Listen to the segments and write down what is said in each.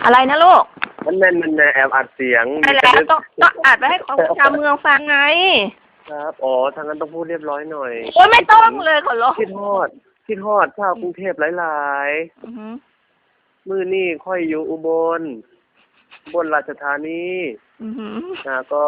อะไรนะลูกมันแอบอัดเสียงไปแล้วต้องอัดไปให้ชาวเมืองฟังไงครับอ๋อทางนั้นต้องพูดเรียบร้อยหน่อยโอ้ยไม่ต้องเลยขอร้องคิดฮอดชาวกรุงเทพหลายๆมื้อนี้ค่อยอยู่อุบลราชธานีก็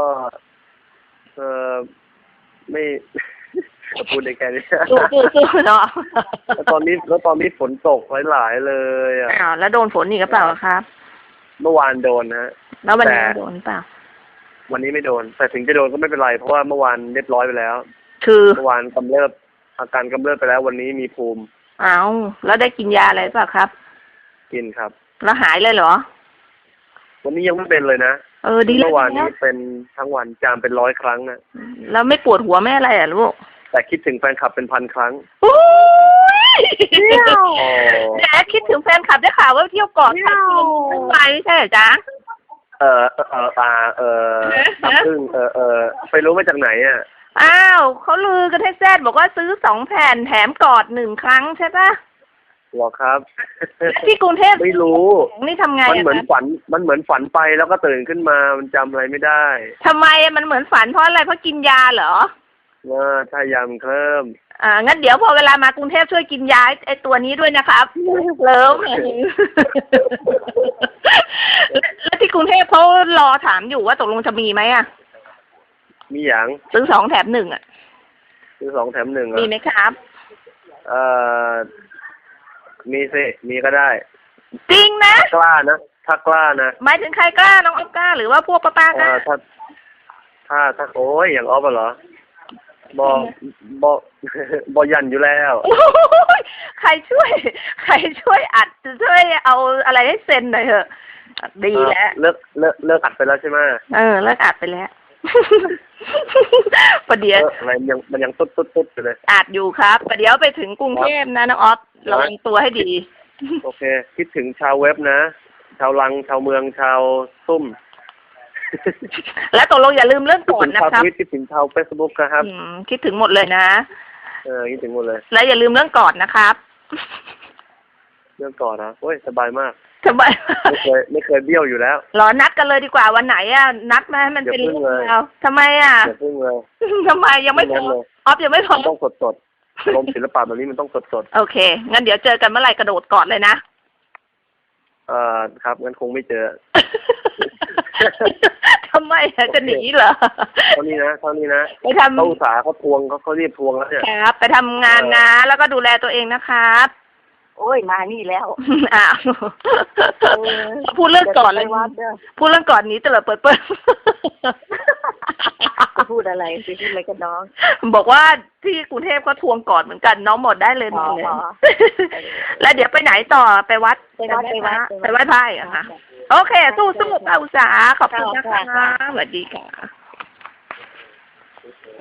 ไม่พูดได้แค่นี้สู้เนาะแล้วตอนนี้ฝนตกหลายๆเลยอ่ะแล้วโดนฝนอีกหรือเปล่าครับเมื่อวานโดนฮะแล้ววันนี้โดนเปล่าวันนี้ไม่โดนแต่ถึงจะโดนก็ไม่เป็นไรเพราะว่าเมื่อวานเรียบร้อยไปแล้วคือเมื่อวานอาการกำเริบไปแล้ววันนี้มีภูมิแล้วได้กินยาอะไรเปล่าครับกินครับแล้วหายเลยเหรอวันนี้ยังไม่เป็นเลยนะดีเลยเมื่อวานนี้เป็นทั้งวันจามเป็น100 ครั้งนะแล้วไม่ปวดหัวไม่อะไรอ่ะลูกแต่คิดถึงแฟนคลับเป็น1,000 ครั้งโอ้ยแหมคิดถึงแฟนคลับได้ข่าวว่าเที่ยวเกาะทั้งไปใช่ไหมจ๊ะซึ่งไปรู้มาจากไหนอ่ะเขาลือกันให้แซดบอกว่าซื้อ2 แผ่นแถมกอด1 ครั้งใช่ปะหรอครับที่กรุงเทพไม่รู้นี่ทำไงมันเหมือนฝันไปแล้วก็ตื่นขึ้นมามันจำอะไรไม่ได้ทำไมมันเหมือนฝันเพราะอะไรเพราะกินยาเหรอถ้ายาเพิ่มงั้นเดี๋ยวพอเวลามากรุงเทพช่วยกินยาไอ้ตัวนี้ด้วยนะครับเลิฟแล้วที่กรุงเทพเขารอถามอยู่ว่าตกลงจะมีไหมมีอย่างซื้อ2 แถม 1 ซื้อ2 แถม 1 มีไหมครับมีสิมีก็ได้จริงนะกล้านะถ้ากล้านะหมายถึงใครกล้าน้องอ๊อฟกล้าหรือว่าพวกป้ากล้าถ้าโอ้ยอย่างอ๊อฟเหรอบอยันอยู่แล้วใครช่วยอัดช่วยเอาอะไรให้เซ็นหน่อยเถอะดีแล้วเลิกอัดไปแล้วใช่ไหมเลิกอัดไปแล้วประเดี๋ยวอะไรมันยังตุ๊ดอยู่เลยอัดอยู่ครับประเดี๋ยวไปถึงกรุงเทพนะน้องอ๊อฟระวังตัวให้ดีโอเคคิดถึงชาวเว็บนะชาวลังชาวเมืองชาวซุ่มแล้วตกลงอย่าลืมเรื่องก่อนนะครับคิดถึงชาวเฟซบุ๊กครับคิดถึงหมดเลยนะคิดถึงหมดเลยแล้วอย่าลืมเรื่องก่อนนะครับเรื่องก่อนนะโอ้ยสบายมากสบายไม่เคยเบี้ยวอยู่แล้วรอนัดกันเลยดีกว่าวันไหนนัดมาให้มันเป็นเรื่องเราทำไมอย่าเพิ่งเลยทำไมยังไม่พร้อมออฟยังไม่พร้อมต้องสดลมศิลปะแบบนี้มันต้องสดโอเคงั้นเดี๋ยวเจอกันเมื่อไหร่กระโดดก่อนเลยนะครับงั้นคงไม่เจอทำไมจะหนีเหรอเท่านี้นะไปทำเขาอุตสาห์เขาทวงเขาเรียกทวงแล้วเนี่ยครับไปทำงานนะแล้วก็ดูแลตัวเองนะครับโอ้ยมานี่แล้วพูดเรื่องก่อนเลยพูดเรื่องก่อนนี้ตลอดเปิดพูดอะไรสิพูดอะไรกันน้องบอกว่าที่กรุงเทพเขาทวงก่อนเหมือนกันน้องหมดได้เลยมาเลยแล้วเดี๋ยวไปไหนต่อไปวัดไปไหว้พระอ่ะค่ะโอเคสู้อุตสาหขอบคุณนะคะสวัสดีค่ะ